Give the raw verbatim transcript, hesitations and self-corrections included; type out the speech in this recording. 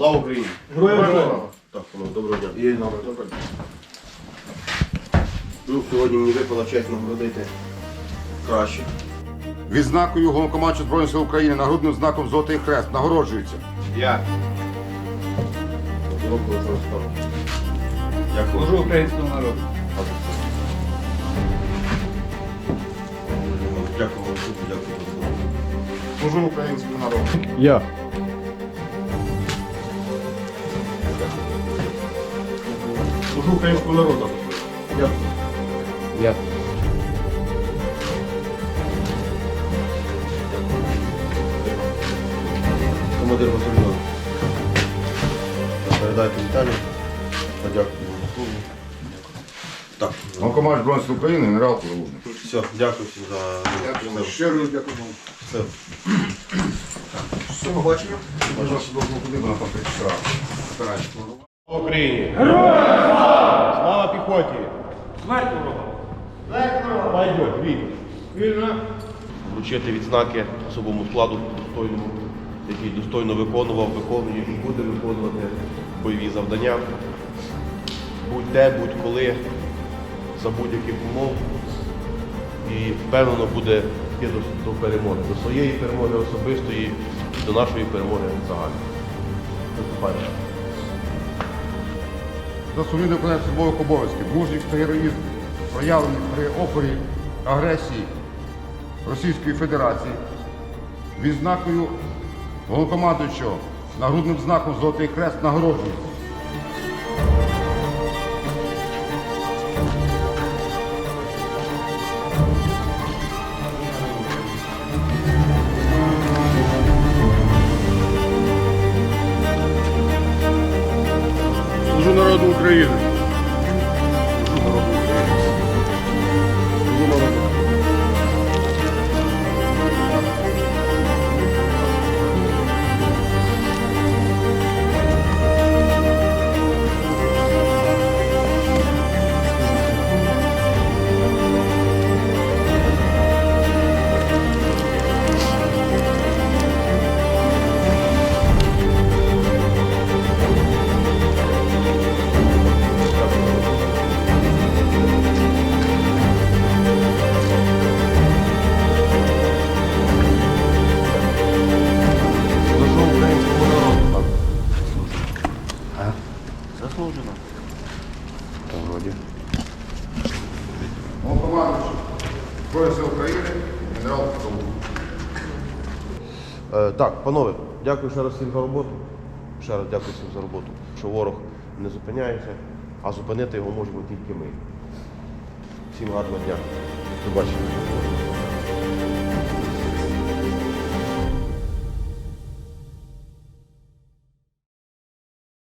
Слава Україні! Героям слава! Так, ну, доброго дня. І нам доброго дня. Ну, сьогодні мені випала честь нагородити кращих. Відзнакою Головнокомандувача Збройних сил України нагрудним знаком Золотий Хрест нагороджується. Я. Дякую. Служу українському народу. Дякую вам, суду, дякую за допомогу. Служу українському народу. Я. Служу українському народу. Дякую. Я. Командир батальйону. Передайте Віталію. Подякую за службу. Так. Головнокомандувач Збройних сил України генерал Залужний. Все, дякую всім за Дякую. Щиро дякую вам. все. Все, побачимо. Можна себе куди вона там прийшла. Слава Україні! Героям! Слава піхоті! Смерть ворога! Пойдет, вільно. Вільно. Вручити відзнаки особовому складу достойному, який достойно виконував, виконує і буде виконувати бойові завдання. Будь-де, будь-коли, за будь-яких умов. І впевнено буде йти до, до перемоги, до своєї перемоги особистої і до нашої перемоги загальної. Виступайте. За сумлінне виконання службових обов'язків, мужність та героїзм, проявлений при опорі агресії Російської Федерації, відзнакою Головнокомандуючого нагрудним знаком Золотий Хрест нагороджується. Служу народу України. Служу українському народу. Заслужено. Головнокомандуючий Збройних сил України генерал Залужний. Е, так, панове, дякую ще раз всім за роботу. Ще раз дякую всім за роботу. Що ворог не зупиняється, а зупинити його можемо тільки ми. Всім гарного дня. До побачення.